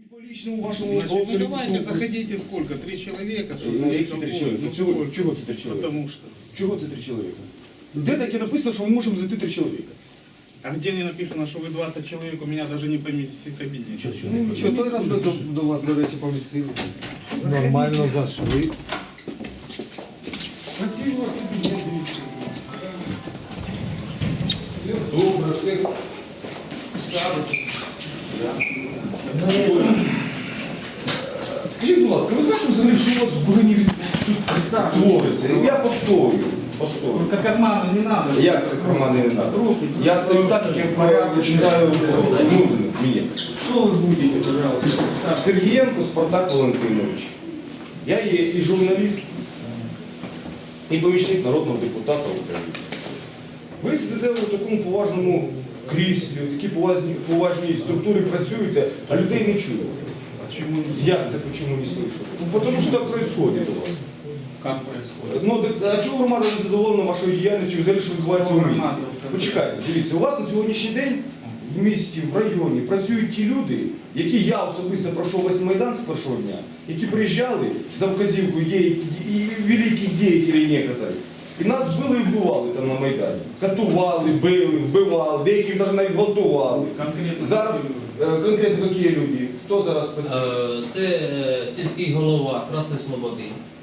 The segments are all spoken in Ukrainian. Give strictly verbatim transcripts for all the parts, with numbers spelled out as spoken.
по личному вашему Значит, ну родственнику. давайте, заходите сколько? Три человека? Ну, які три чоловіка? Ну, Чого, сколько? чого це три чоловіка? Потому что. Чого це три чоловіка? Де таке написано, що ми можемо зайти три чоловіка? А где не написано, что вы двадцать человек, у меня даже не поместите в кабинете. Чё, чё, Ну, що той раз ми до, до вас, до речі, помістили. Нормально зашли. Спасибо, кабинет. Добре, все. Скажіть, будь ласка, ви знаєте взагалі, що у вас в Бурині твориться? Я постою. Постою. Только карманы не надо. Як це команди не треба? Я стою так, як я починаю нужен мені. Что вы будете, пожалуйста? Сергієнко Спартак Валентинович. Я є і журналіст, і помічник народного депутата України. Ви сидите в такому поважному кріслі, в такій поважній, поважній структурі працюєте, а людей не чуєте. Почему не Як це почему не слышу? Ну, тому що так происходит у вас. Как происходит? Ну, так, а чого громада не задоволена вашою діяльністю, взагалі, що відбувається у місті? Почекайте, дивіться, у вас на сьогоднішній день в місті, в районі працюють ті люди, які я особисто пройшов весь Майдан з першого дня, які приїжджали за вказівкою дій, і великих діятелів некоторих. І нас били і вбивали там на Майдані. Катували, били, вбивали, деяких навіть навіть гвалтували. Конкретно. Зараз е, конкретно які люди? Хто зараз працює? Е, Це е, сільський голова Красної Слободи.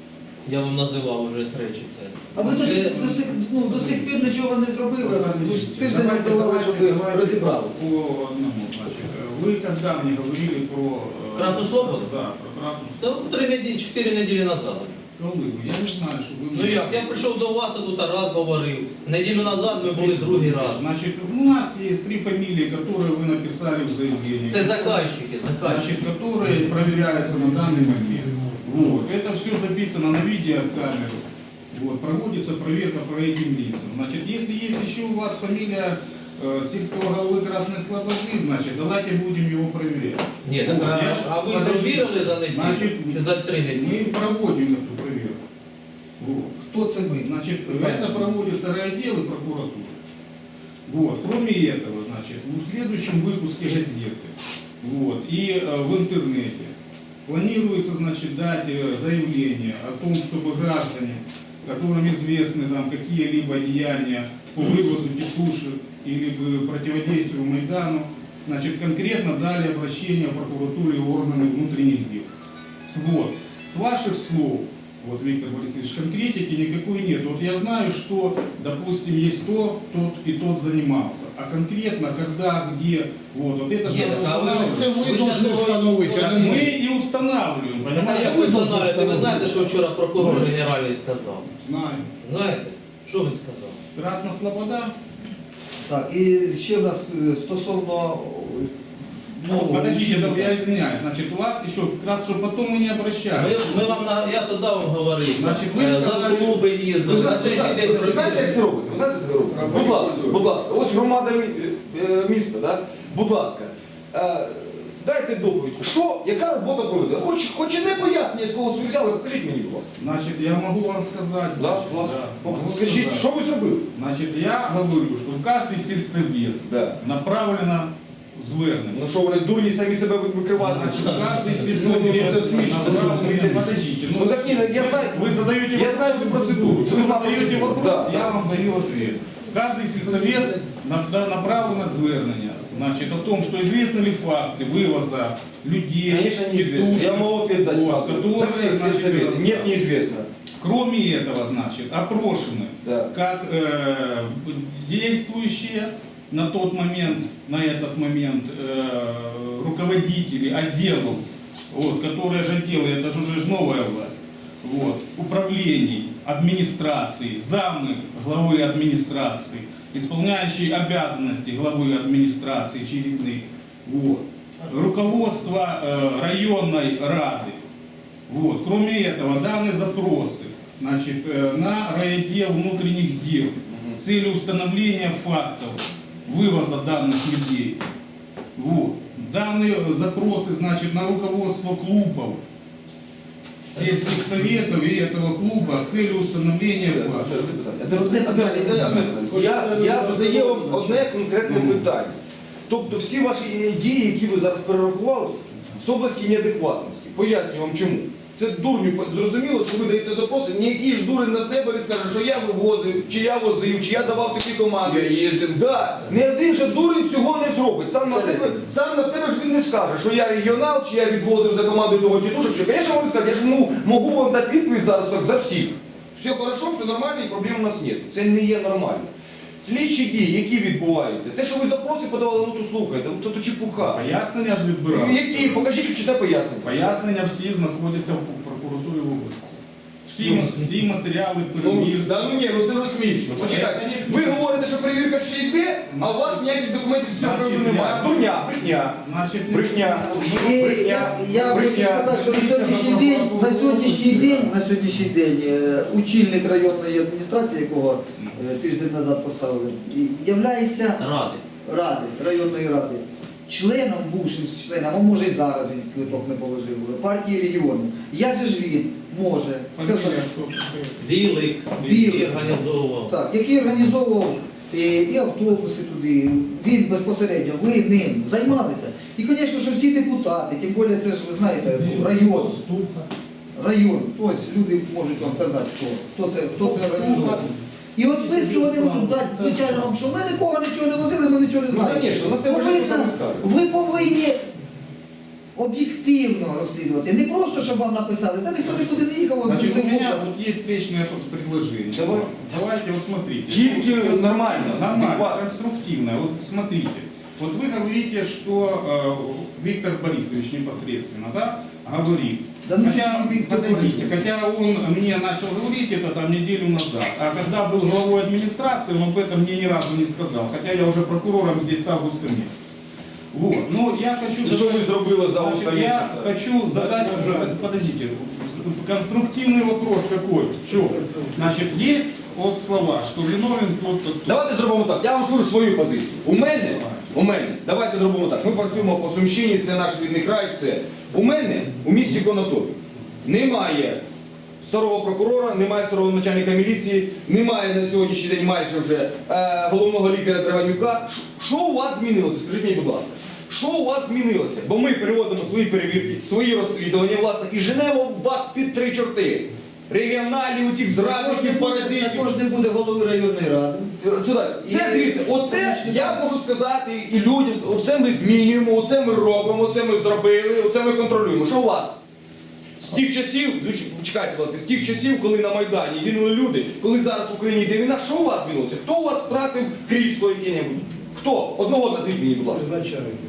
Я вам називав вже тричі це. А ви до, Це- сих- до, сих, ну, до сих пір нічого не зробили, ви ж тиждень не давали, щоб розібралися. По одному, значит, вы когда мне говорили про... э, Красную Слободу? Да, про Красную Та три неділі, чотири неділі назад. Слободу. Я не знаю, что вы... Ну як, я прийшов до вас, а тут раз говорив. Неділю назад ми були другий раз. Значит, у нас есть три фамилии, которые вы написали в заявлении. Це заказчики, заказчики. Значит, которые проверяются на данный момент. Вот. Это все записано на видеокамеру. Вот. Проводится проверка по этим лицам. Значит, если есть еще у вас фамилия э, сельского головы Красной Слободы, значит, давайте будем его проверять. Ні, так, Вот, я а, ж- а ви подождите. провірили за неділю? Значит, Чи за три неділі? мы проводим эту проверку. Вот. Хто це ми? Значит, это проводится райотдел и прокуратура. Вот. Кроме этого, значит, в следующем выпуске газеты вот, и э, в интернете планируется, значит, дать э, заявление о том, чтобы граждане, которым известны там какие-либо деяния по вывозу текушек или бы противодействию Майдану, значит, конкретно дали обращение в прокуратуру и органы внутренних дел. Вот. С ваших слов, вот, Виктор Борисович, конкретики никакой нет. Вот я знаю, что, допустим, есть то, тот и тот занимался. А конкретно, когда, где, вот, вот это же Нет, надо а вы- устанавливать. Це ви Ви повинні для того- встановити, а Так не мы ми. и устанавливаем, А понимаете? як ви встановлюєте? Ви знаєте, що вчора прокурор генеральний сказав? Знаю. Знаєте? Що він сказав? Красна Слобода. Так, і ще в нас е, стосовно Ну, нового подождите, учителя. да, я извиняюсь. Значит, у вас еще, как раз, чтобы потом мы не Ми, обращались. ми вам на я тоді вам говорив. Значить, ви Е, сказали- за клуби їздили. Ви знаєте, на ви третій знаєте, день ви знаєте, як це робиться? Ви знаєте, як це робиться? Будь ласка, будь ласка. Ось громада мі- е, міста, да? Будь ласка. Е, Дайте доповідь. Що, яка робота проведена? Хоч, хоч і не пояснення, з кого ви взяли, покажіть мені, будь ласка. Значит, я могу вам сказать. Да, значит, будь ласка. да, могу Скажіть, сказать. що ви зробили? Значит, я говорю, что в каждый сельсовет Да. направлено звернення. Ну що, вони дурні самі себе викривають? Значит, в каждый Ну, сельсовет ну, це смішно, ну, що ви направлено. смієтесь? Подождите, Ну так ні, я знаю, вы задаете я знаю цю процедуру. Це Вы ви задаете задаєте вопрос, Да, я да. вам даю ответ. Каждый сельсовет на- да, направлено звернення. Значит, о том, что известны ли факты вывоза людей, Конечно, неизвестно. тетушек, Я могу ответ дать вот, сразу. которые, За все значит, сельсоветы. Нет, это- неизвестно. Кроме этого, значит, опрошены Да. как э, действующие на тот момент, на этот момент э, руководители отделов, вот, которые же отделы, это же уже ж новая власть, вот, управлений, администрации, замы главы администрации, исполняющие обязанности главы администрации очередных, вот, руководство э, районной рады. Вот. Кроме этого, даны запросы, значит, э, на райотдел внутренних дел с целью установления фактов вывоза данных людей. Вот. Данные запросы, значит, на руководство клубов, сельских советов и этого клуба с целью установления фактов. Одне питання. Я, я задаю вам одне конкретне питання. Тобто всі ваші дії, які ви зараз перерахували, з області неадекватності. Пояснюю вам чому. Це дурню зрозуміло, що ви даєте запроси, ніякий ж дурень на себе не скаже, що я вивозив, чи я возив, чи я давав такі команди. Я їздив. Да. Ні один же дурень цього не зробить. Сам на себе, сам на себе ж він не скаже, що я регіонал, чи я відвозив за командою того тітушок. Що, звісно, вам не скажу, я ж можу, можу вам дати відповідь зараз так, за всіх. Все хорошо, все нормально і проблем у нас немає. Це не є нормально. Слідчі дії, які відбуваються, те, що ви запроси подавали, ну то слухайте, ну то, то чепуха. Пояснення ж відбиралися. Які? Покажіть, чи те пояснення. Пояснення всі знаходяться в прокуратурі в області. Всі, Ну, всі матеріали Ну, перевірки. да, ну ні, ну це вже смішно. Почекайте, ви говорите, що перевірка ще йде, а у вас ніяких документів з цього Значить, приводу немає. я- Дурня, брехня, Значить, брехня, І я, брехня, я хочу брехня. сказати, що на сьогоднішній день, на сьогоднішній день, на сьогоднішній день е, очільник районної адміністрації, якого е, тиждень назад поставили, і являється Ради. ради, районної ради, членом, бувшим членом, а може і зараз він квиток не положив, партії регіону. Як же ж він може сказати, фамілія, хто? Білик, Білик. який організовував. так, який організовував і, і автобуси туди, він безпосередньо, ви ним займалися. І, звісно, що всі депутати, тим більше це ж, ви знаєте, район, район, ось люди можуть вам казати, хто, хто це, хто це організовував. І от списки вони можуть дати, звичайно, вам, що ми нікого нічого не возили, ми нічого не Ну, знаємо. звісно, на себе вже Повинна- ніхто не скаже. Ви повинні об'єктивно розслідувати, не просто, щоб вам написали, та ніхто нікуди не їхав, вам Значит, у пустив меня область. вот есть встречное тут предложение. Давай. Давайте, вот смотрите. Тільки Вот, нормально, Нормально, адекватно. конструктивно. Вот смотрите. Вот вы говорите, что э, Виктор Борисович непосредственно, да, говорит. Да ну хотя, что ты, Виктор подождите, Борисович? хотя он мне начал говорить это там неделю назад, а когда был главой администрации, он об этом мне ни разу не сказал, хотя я уже прокурором здесь с августа месяца. Вот, но я хочу... Це що ви зробили за Значит, останні я місяці? хочу задать, подождите, конструктивный вопрос какой? Что? Значит, есть вот слова, что виновен тот-то, тот. Давайте зробимо так. Я вам скажу свою позицію. У мене, у мене, давайте зробимо так. Ми працюємо по Сумщині, це наш рідний край, все. У мене у місті Конотопі немає старого прокурора, немає старого начальника міліції, немає на сьогоднішній день майже вже е, головного лікаря Драганюка. Ш- Що у вас змінилося? Скажіть мені, будь ласка. Що у вас змінилося? Бо ми переводимо свої перевірки, свої розслідування, власне, і женемо вас під три чорти. Регіоналів, тих Також не зрадників, буде- паразитів. Також не буде голови районної ради. Це, так. Це дивіться, оце я можу сказати і людям, оце ми змінюємо, оце ми робимо, оце ми зробили, оце ми контролюємо. Що у вас? З тих часів, звичайно, чекайте, будь ласка, з тих часів, коли на Майдані гинули люди, коли зараз в Україні йде війна, що у вас змінилося? Хто у вас втратив крісло яке-небудь? Хто? Одного назвіть мені, будь ласка.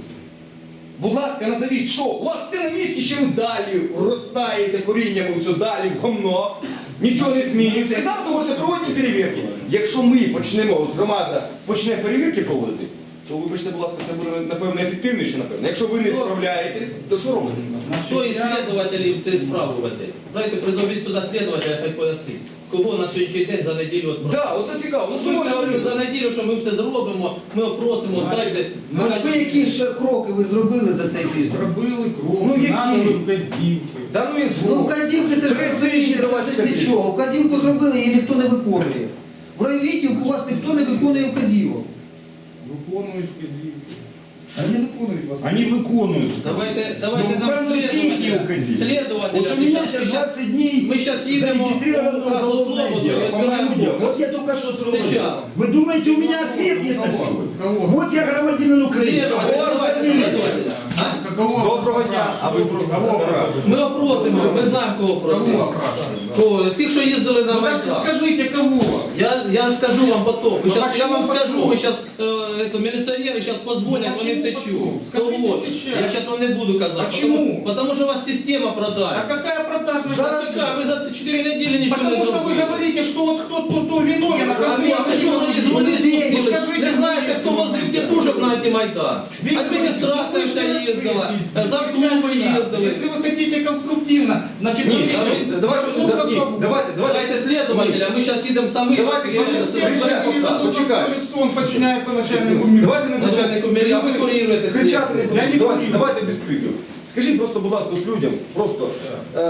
Будь ласка, назовіть, що? У вас все на місці, ще ви далі розтаєте коріннями в цю далі в гомно, нічого не змінюється. І зараз ви можете проводити перевірки. Якщо ми почнемо, громада почне перевірки проводити, то вибачте, будь ласка, це буде, напевно, ефективніше, напевно. Якщо ви не справляєтесь, то що робите? Хто із слідувателів цю справу веде? Давайте призовіть сюди слідувателя, хай пояснить. Кого на сьогоднішній день за неділю відправили? Так, да, оце цікаво. Ну, що Ми у вас говоримо за змінилося? неділю, що ми все зробимо, ми опросимо, дайте. Ну ж ви які ж кроки ви зробили за цей тиждень? Зробили крок, Ну, які? надали вказівки. Да ну і Ну зло. вказівки це ж Три розумієте, тижні це давати ж вказівки. нічого. Вказівку зробили, її ніхто не виконує. В райвідділку у вас ніхто не виконує вказівок. Виконують вказівки. Вони не виконують вас. Они выполняют. Давайте, давайте Ну, нам указывают их слідувателя. укази. Следователя. Вот у меня Сейчас- сейчас двадцать дней Мы сейчас едем зарегистрировано в уголовное Краснослободу и дело по отбираем моему делу. дом. Вот я только что Сейчас. сразу. Вы думаете, у меня ответ есть на Кого? сегодня? Кого? Вот я громадянин Украины. Следователя, Кого давайте разделили? следователя. А? Какого Доброго дня, а ви Кого кого опрашивають? Ми опросимо, ми знаємо, кого Кого просимо. опрашивають? Кого? Тих, що їздили на Ну так Майдан. скажите, кого? Я, я скажу вам потом. Вы Ну, щас, я почему вам скажу, потом? вы сейчас, э, это, милиционеры сейчас позвонят, Ну, вони почему втечуть. потом? Скажите Кого? сейчас. Я сейчас вам не буду казать. Почему? Потому, потому что вас система А продает. какая продажность? Зараз- Какая? Вы за четыре недели ничего Потому не что вы зробили. говорите, что вот кто-то кто виновен, а А кого? ви а що вони з вони Ну, спустили? скажите, Не знаєте, хто возив тітушок на антимайдан? Виктор Адміністрація Борисович, вся вы же їздила, на сессии. за клуби їздили. Если вы хотите конструктивно, значит, Ні, вы- ні, давайте, Ну, да, как ні, бы- давайте, давайте. Давайте следователя, мы сейчас едем самі. Давайте, я давайте, щас Все кричать, розберу говорили, пока. дадут за почекай. свое лицо, он подчиняется начальнику мира. Давайте не Начальнику міліції, а ви куріруєте кричати не слідство. будемо. Я не Давайте, курю. давайте без криків. Скажіть просто, будь ласка, от людям, просто е,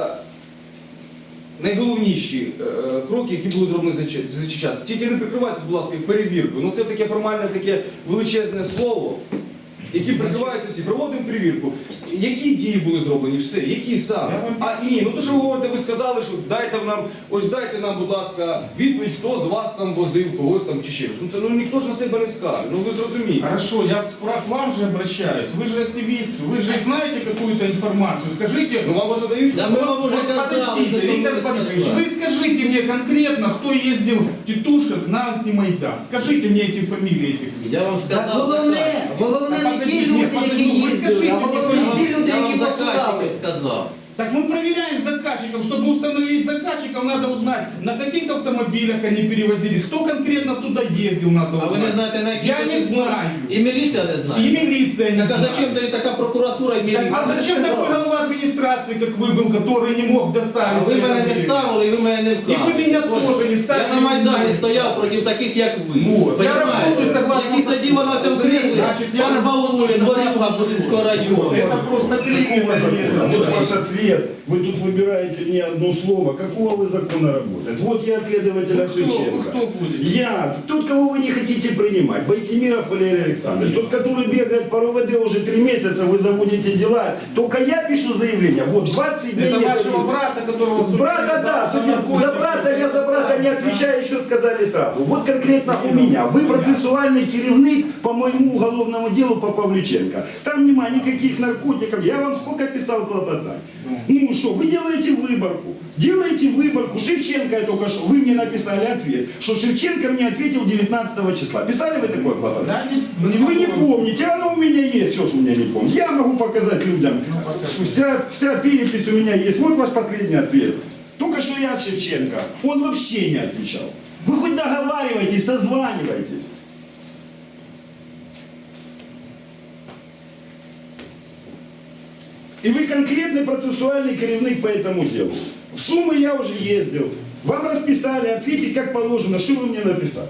найголовніші е, кроки, які були зроблені за, чи- за час. Тільки не прикривайтесь, будь ласка, перевіркою. Ну це таке формальне, таке величезне слово. які прикриваються всі, проводимо перевірку. Які дії були зроблені? Все, які саме? Я вам А ні, ну то що ви говорите, ви сказали, що дайте нам, ось дайте нам, будь ласка, відповідь, хто з вас там возив, когось там чи ще щось. Ну це ну ніхто ж на себе не скаже. Ну ви зрозумієте. Хорошо, я спра- к вам же обращаюсь. Вы же активист, вы же знаете какую-то информацию. Скажите, Ну вам воно дається? Да мы вам уже казали, подождите, вы Виктор не Борисович, сказали. вы скажите мне конкретно, кто ездил тетушек на антимайдан. Скажите мне эти фамилии этих людей. Я вам Так сказав головне, заказчик. головне Та не ті подожди, люди, ні, які подожди, ви їздили, скажіть а мені, головне Я вам- ті люди, я які вам посилали. заказчиків сказав. Так мы проверяем заказчиков. Чтобы установить заказчиков, надо узнать, на каких автомобилях они перевозились, кто конкретно туда ездил, надо А ви узнать. не знаєте, на яких Я не посилках? знаю. І міліція не И знає. милиция не Так а знает. зачем тоді така прокуратура і міліція? А зачем такой голова администрации, как вы был, который не мог А доставить? ви мене не это время? ставили, і ви мене не вкрали. І ви мене теж не ставили. Я на Майдані стояв проти таких, як ви. Вот. Я Понимаєте? работаю согласно- Які сиділа на цьому креслі, Значить, я- пан Баулін, Борюга Буринського району. Это просто кликнуло А вот ваш ответ. Вы тут выбираете не одно слово. Какого вы закона работаете? Вот я от следователя Ну, кто- Шевченко. кто будет? Я, тот, кого вы не хотите принимать. Байтимиров Валерий Александрович. Тот, который бегает по РОВД уже три месяца, вы заводите дела. Только я пишу заявление. Вот двадцать дней. Это не вашего заведено. брата, которого... С брата, да, судили за судят. За брата, я за брата не отвечаю, еще сказали сразу. Вот конкретно у меня. Вы процессуальный керівник по моему уголовному делу по Павлюченко. Там нема никаких наркотиков. Я вам сколько писал клопотать. Ну что, вы делаете выборку. Делаете выборку. Шевченко я только что, вы мне написали ответ, что Шевченко мне ответил девятнадцатого числа. Писали вы такое клопотание? Да, не- Вы не помните, оно у меня есть, что ж у меня не помню. Я могу показать людям. Вся, вся перепись у меня есть. Вот ваш последний ответ. Только что я от Шевченко. Он вообще не отвечал. Вы хоть договаривайтесь, созванивайтесь. И вы конкретный процессуальный керівник по этому делу. В Сумы я уже ездил. Вам расписали, ответить как положено. Что вы мне написали?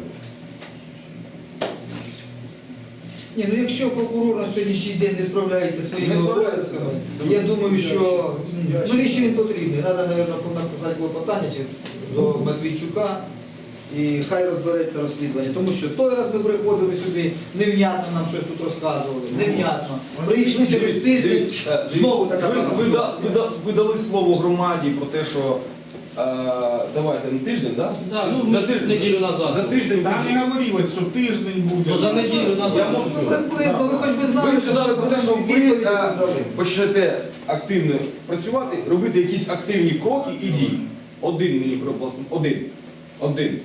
Ні, ну якщо прокурор на сьогоднішній день не справляється зі своїми Не справляється. обов'язками, я думаю, що ну і що він потрібний. Треба, мабуть, написати клопотання чи до Медведчука і хай розбереться розслідування. Тому що той раз ми приходили сюди, невнятно нам щось тут розказували, невнятно. Прийшли через тиждень, Дивіться, знову дивіться, така ви, сама ви, да- ситуація. ви, да- ви дали слово громаді про те, що е, давайте на тиждень, да? Да, ну, за ми тиждень, неділю назад. За тиждень Там ви- не говорилось, что тиждень будет. Ну за неділю Я назад. можу Ну, приблизно, ви хоч би знали, Ви сказали про те, що ви відповіді е, роздали. почнете активно працювати, робити якісь активні кроки і дії. Один мені власне, один. Один.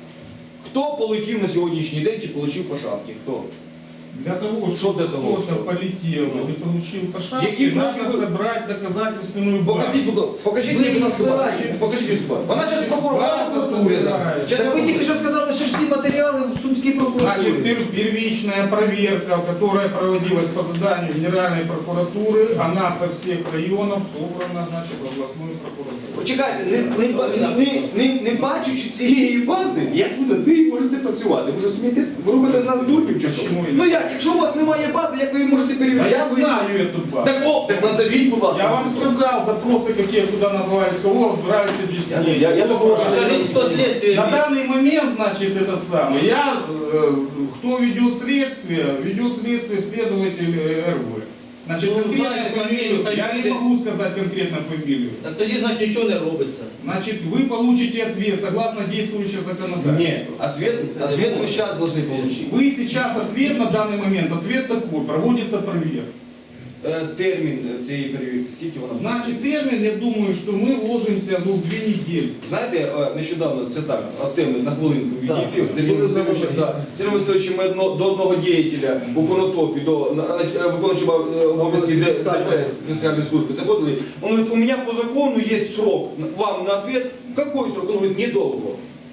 Хто полетів на сьогоднішній день чи полетів по шапці? Хто? Для того, Что чтобы для того, кто-то что? полетел или получил по шапке, Какие надо кроки вы- собрать доказательственную базу. Покажіть, будь ласка, покажіть Ви мені, будь ласка, їх базу. збираєте. Покажіть мені цю базу. Вона зараз прокурор, вона База прокуратури зараз. збирається. Щас я Так ви вам тільки що сказали, що всі матеріали в Сумській Значит, прокуратурі. пер- первичная проверка, которая проводилась по заданию Генеральной прокуратуры, она со всех районов собрана, значит, в областную прокуратуру. Почекайте, не, не, не, не, не бачучи цієї бази, як ви над нею можете працювати? Ви що смієтесь? Ви робите з нас дурнів чи що? Чому ні? Ну як, якщо у вас немає бази, як ви її можете А перевіряти? я Як ви- знаю эту базу. Так о, так назовіть, будь ласка. Я вам сказал запросы, какие куда набрались, кого брались объяснения. Я- я такого- Скажіть, хто слідстві На вів? данный момент, значит, этот самый, я, э, кто ведет следствие, ведет следствие следователь э, эр вэ. Значит, Ну, конкретную дайте фамилию, фамилию, я хай не буде. могу сказать конкретно фамилию. Так тоді, значить, нічого не робиться. Значит, вы получите ответ согласно действующему законодательству. Нет, ответ, ответ мы сейчас должны получить. Вы сейчас ответ на данный момент, ответ такой, проводится проверка. Е, Термін цієї перевірки, скільки вона? Значит, термин, я думаю, что мы вложимся ну, в две недели. Знаєте, е, нещодавно, це так, от теми на хвилинку Так. відійти, це він Васильовичем, да. Сергій Васильовичем ми одно, до одного діятеля у Конотопі, до на- на- е, виконуючого е, обов'язків Д- ДФС, Національної служби, заходили. Он говорит, у меня по закону есть срок вам на ответ. Какой срок? Он говорит, недолго.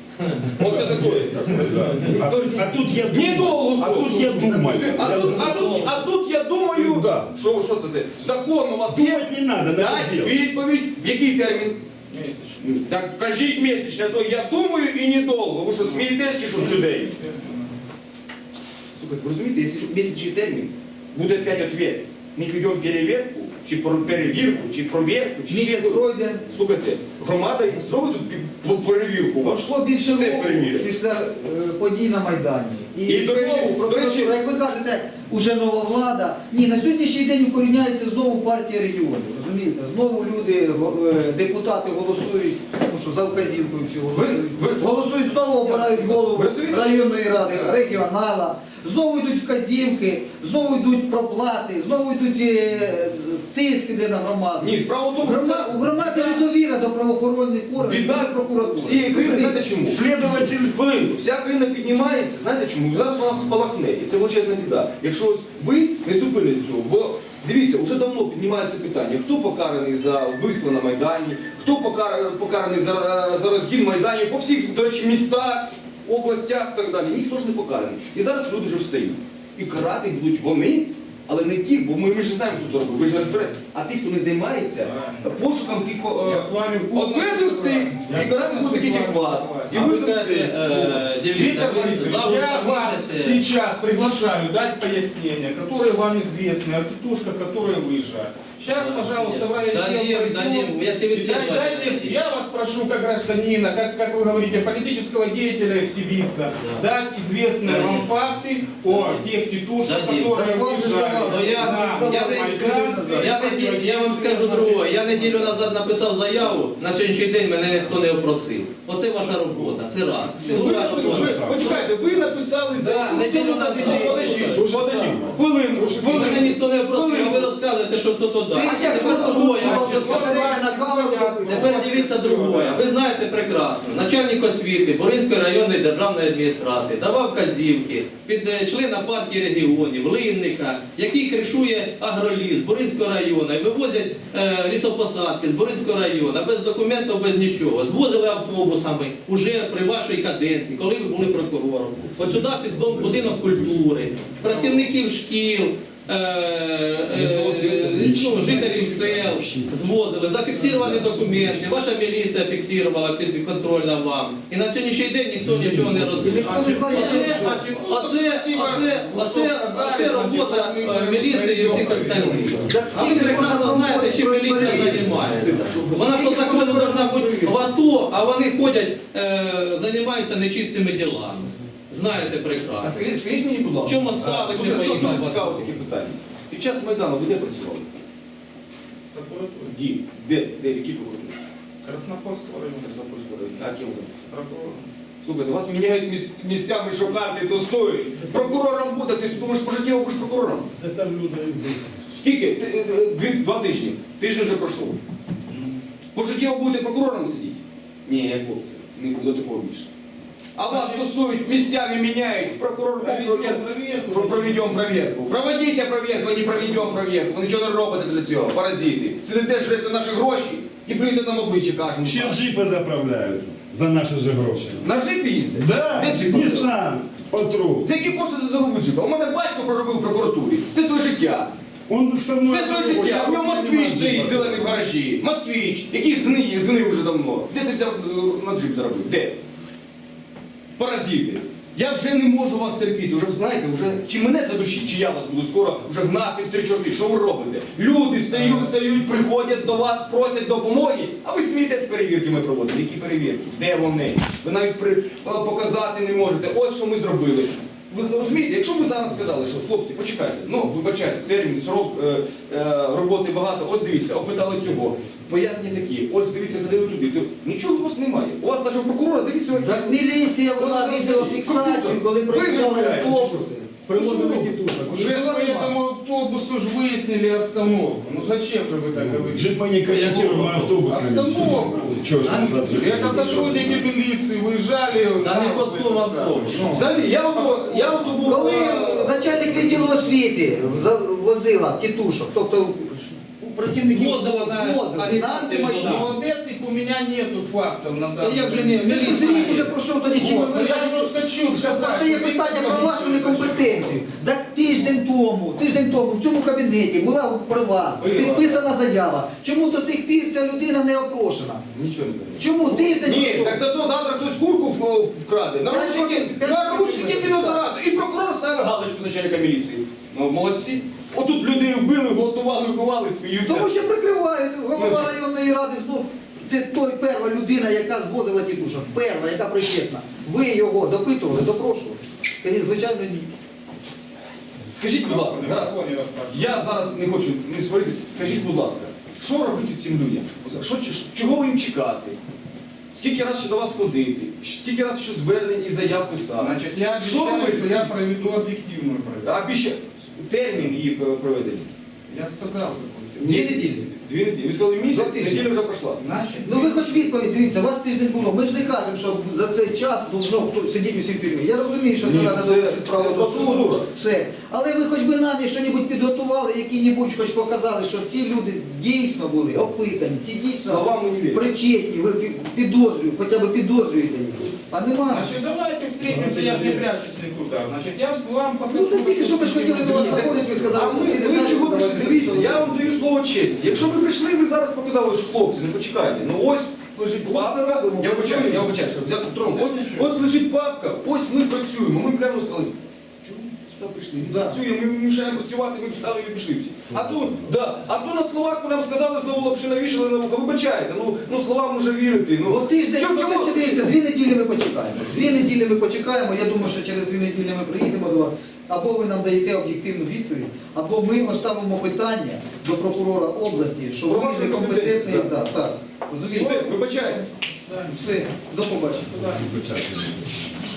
Оце такое. А, тут- а тут я думаю. Недолго А срок. тут я думаю. А тут, а тут, а тут я думаю, Да. що, що це ти? Закон у вас є? Думать не надо, надо Дайте делать. відповідь, в який термін? Месячный. Так кажіть місячне, а то я думаю і недовго. Ви що, смієтесь чи що з людей? Слухайте, ви розумієте, якщо місячний термін, буде опять ответ. Ми ведемо перевірку, чи про перевірку, чи провірку, чи ще Місяць щось. пройде. Слухайте, громада зробить тут пі- перевірку. Пройшло більше Все року перевірять. після е, подій на Майдані. І, до речі, знову до речі- прокуратура, як ви кажете, уже нова влада. Ні, на сьогоднішній день укоріняється знову партія регіонів. Розумієте? Знову люди, го- е, депутати голосують, тому що за вказівкою всього Ви- голосують. ви- Голосують знову, обирають голову Ви розумієте? районної ради, регіонала. Знову йдуть вказівки, знову йдуть проплати, знову йдуть е, тиск іде на громаду. Ні, справа в тому, що Грома- це у громади недовіра до правоохоронних органів, біда до прокуратури. всієї країни, знаєте чому? Следователь Хвилинку, вся країна піднімається, знаєте чому? Зараз вона спалахне, і це величезна біда. Якщо ось ви не зупините цього, бо дивіться, вже давно піднімається питання, хто покараний за вбивство на Майдані, хто покара- покараний за, за розгін Майданів по всіх, до речі, містах, областях і так далі. Ніхто ж не покараний. І зараз люди вже встають. І карати будуть вони, але не ті, бо ми, ми ж не знаємо, хто це робить, ви ж не розберетеся. А ті, хто не займається пошуком тих Я з вами повністю одведустих, согласен. і карати будуть таких, як вас. І А ви ви ж кажете, е, дивіться, Виктор ви Борисович, завжди я вас помітите, сейчас приглашаю дать пояснения, которые вам известны, о тетушках, которые выезжают. Сейчас, пожалуйста, в райотдел Дадим, пойдем. дадим, если вы И дай- следователь, дайте- дадим. Я вас прошу, как гражданина, как, как вы говорите, политического деятеля, активиста, Да. дать известные Дадим. вам факты о Дадим. тех тетушках, Дадим. которые Так вам же выезжали давали. Ну, я- на я не- Майдан. Я, неді- я вам скажу другое, я неділю назад написав заяву, на сьогоднішній день мене ніхто не опросив. Оце ваша робота, це рано. Ви, Друга ви, робота. почекайте, ви написали Да, заяву. неділю назад. Подождіть, подождіть, хвилинку, Мене хвилинку. ніхто не опросив, а ви розказуєте, що хто то дав. Ти А як тепер це другое. було безпосередньо на камеру записано? Тепер дивіться другое. Ви знаєте прекрасно, начальник освіти Боринської районної державної адміністрації давав вказівки під е, члена партії регіонів, Линника, який кришує агроліс Боринського району і вивозять е, лісопосадки з Боринського району без документів, без нічого. Звозили автобусами уже при вашій каденції, коли ви були прокурором. От сюди під дом будинок культури, працівників шкіл. е, е, ну, жителів сел звозили, зафіксовані документи, ваша міліція фіксувала підконтрольна вам. І на сьогоднішній день ніхто нічого не розуміє. Ніхто не знає, Оце, оце, оце, оце, оце робота е, міліції і всіх остальних. Так А ви скільки прекрасно можна знаєте, чим робити міліція происходить? займається. Вона по закону повинна бути в АТО, а вони ходять, е, займаються нечистими ділами. Знаєте А прекрасно. скажіть, скажіть мені, будь ласка, В чому справа, а, де дуже, поїхали? дуже цікаве таке питання. Під час Майдану ви де працювали? Ді. Де? Де? В якій прокуратурі? Краснопольского района. Краснопольського району. А ким ви? Прокурор. Слухайте, вас міняють міс- місцями, що карти тусують. Прокурором буде, ти думаєш, пожиттєво будеш прокурором? Де там люди їздять? Скільки? Ти- е, е, Дві, два тижні. Тиждень вже пройшов. Пожиттєво будете прокурором сидіти? Ні, хлопці, не буде такого більше. А вас тусують, місцями міняють, прокурор Проведем проведем проверку. Про- проведем проверку. Проводите проверку, а не проведем проверку. Ви нічого не робите для цього, паразити. Сидите, жрете наші гроші і плюєте нам обличчя кожному. Ще джипи заправляють за наші ж гроші. На джипі їздите? Да, Де джип? Nissan, Патрул. За які кошти ти заробив джипа? У мене батько проробив в прокуратурі. Це своє життя. Он со мною... Все своє життя. У нього москвич стоїть зелений в гаражі. Москвич, який згниє, згнив вже давно. Де ти взяв е, на джип заробив? Де? Паразити. Я вже не можу вас терпіти, вже знаєте, вже чи мене задушить, чи я вас буду скоро вже гнати в три чорти. Що ви робите? Люди стають, стають, приходять до вас, просять допомоги, а ви смієтесь перевірки ми проводимо. Які перевірки? Де вони? Ви навіть при, показати не можете. Ось що ми зробили. Ви розумієте, якщо б ви зараз сказали, що хлопці, почекайте, ну вибачайте, термін, срок е, е, роботи багато, ось дивіться, опитали цього. Пояснення такі, ось дивіться, ходили туди, то нічого у вас немає. У вас навіть прокурора, дивіться, які. Так міліція вела Ось відеофіксацію, коли ви приїжджали виявляєте, автобуси. Привозили тітушок. Уже по этому автобусу ж выяснили обстановку. Ну зачем же вы так говорите? Джипа не корректируемый автобус. Обстановку. Чего ж там А, джип? Это сотрудники милиции выезжали. Та не на- по тому автобусу. Ну, Взагалі, я ото, я ото був... Коли е, начальник відділу освіти за- возила тітушок, тобто працівників Звозила на звозила, агітацію, на Майдан. ну, вот этих у меня нету фактов на Та данный як же не момент. Міліція рік вже пройшов, тоді з чим ви Вот, ну, я знаєте, вот хочу сказать. просто є что питання Виктор про вашу Борисович, некомпетенцію. Так тиждень тому, тиждень тому в цьому кабінеті була при вас Була. підписана заява. Чому до сих пір ця людина не опрошена? Нічого не кажу. Чому тиждень Ні, пройшов? так зато завтра хтось курку в- вкраде. Наручники, П'ять років, наручники п'ять підуть років. зразу. І прокурор ставив галочку з начальника міліції. Ну, молодці. Отут людей вбили, готували, ховали, сміються. Тому що прикривають голова районної ради, ну, це той перша людина, яка звозила тітушок, перша, яка причетна. Ви його допитували, допрошували? Конечно, звичайно, ні. Скажіть, будь ласка, Тарас, я зараз не хочу не сваритися, скажіть, будь ласка, що робити цим людям? Що, чого ви їм чекати? Скільки раз ще до вас ходити? Скільки раз ще звернень і заяв писати? Значит, я Що обещаю, робити? что я Скажіть? проведу объективную проверку. А більше термін її проведення? Я сказал, какой-то. Дві неділі. Дві неділі. Ви сказали місяць, Два тижні. неділя вже пройшла. Значит, Ну ви хоч відповідь, дивіться, у вас тиждень було. Ми ж не кажемо, що за цей час должно хто сидіти усі в тюрмі. Я розумію, що це Ні, треба це- довести справу це до процедура. суду. Все. Але ви хоч би нам щось підготували, які-небудь хоч показали, що ці люди дійсно були опитані, ці дійсно Словам ми не віримо. причетні, ви пі- підозрюєте, хоча б підозрюєте їх. А нема. значит, давайте встретимся, я же не прячусь никуда. Значит, я вам покажу. Ну так тільки що ви ж хотіли до вас заходити, ви сказали, А ми, всі не ви знають, чого давайте прийшли? Дивіться, так, я вам даю слово честі. Якщо ви прийшли, ви зараз показали, що хлопці, не почекайте. Ну ось лежить папка. робимо, Я вибачаю, працюємо. я вибачаю, що взяти трон. Ось, ось лежить папка, ось ми працюємо. Ми прямо сказали, чому ми сюди прийшли? Ми Да. працюємо, ми мішаємо працювати, ми встали і пішли всі. А то, да, а то на словах нам сказали, знову лапши навішали на вухо. Вибачайте, ну, ну словам може вірити. Ну, От тиждень, чому- ну, чому- це ще дивіться, дві неділі ми почекаємо. Дві неділі ми почекаємо, я думаю, що через дві неділі ми приїдемо до вас. Або ви нам даєте об'єктивну відповідь, або ми поставимо питання до прокурора області, що Про ви вашу некомпетентний. компетентність, Так, так. Розумієте? Все, вибачайте. Все, до побачення. Туда.